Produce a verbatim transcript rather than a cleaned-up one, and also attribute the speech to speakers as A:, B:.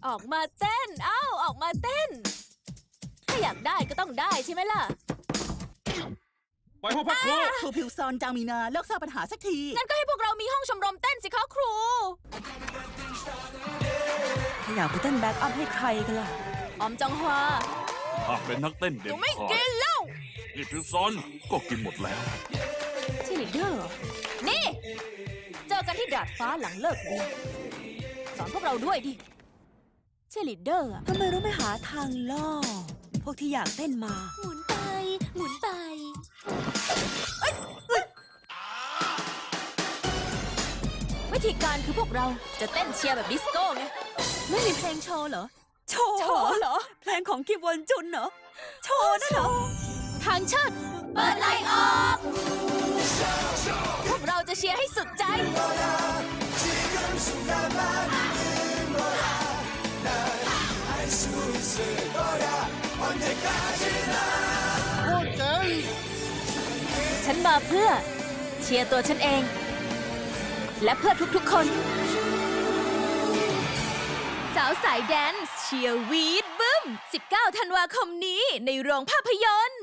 A: ออกมาเต้นเอ้าออกมาเต้นถ้าอยากได้ก็ต้องได้ใช่ไหมล่ะ
B: ไปพบพักครู
C: ครูพิวซอนจางมีนาเลิกสร้างปัญหาสักที
A: งั้นก็ให้พวกเรามีห้องชมรมเต้นสิคะครู
D: ถ้าอยากไปเต้นแบ็กอัพให้ใครกันล่ะ
A: ออมจองฮวา
B: หากเป็นนักเต้น
A: ห
B: เด่
A: นู
B: น
A: ไม่
B: ขา
A: กิ
B: ด
A: นเหล้า
B: นี่พิวซอนก็กินหมดแล้ว
A: เชยร์ลีดเดอร์เหรอนี่ เจอกันที่ดาดฟ้าหลังเลิกเรียนสอนพวกเราด้วยดิเชยร์ลีดเดอร์อะ
D: ทำไมเราไม่หาทางล่อ พวกที่อยากเต้นมา
A: หมุนไป หมุนไปวิธีการคือพวกเราจะเต้นเชียร์แบบดิสโก้ไงไม่มีเพลงโชว์เหรอ
D: โชว์
A: โชว์เหรอ
D: เพลงของคิมวอนจุนเหรอ โชว์นั่นเหรอ
A: ทางเชิดเปิดไลน์ออกพวกเราจะเชียร์ให้สุดใจ ฉันมาเพื่อเชียร์ตัวฉันเอง และเพื่อทุกๆคน สาวสายแดนซ์เชียร์วีดบึ้ม สิบเก้า ธันวาคมนี้ในโรงภาพยนตร์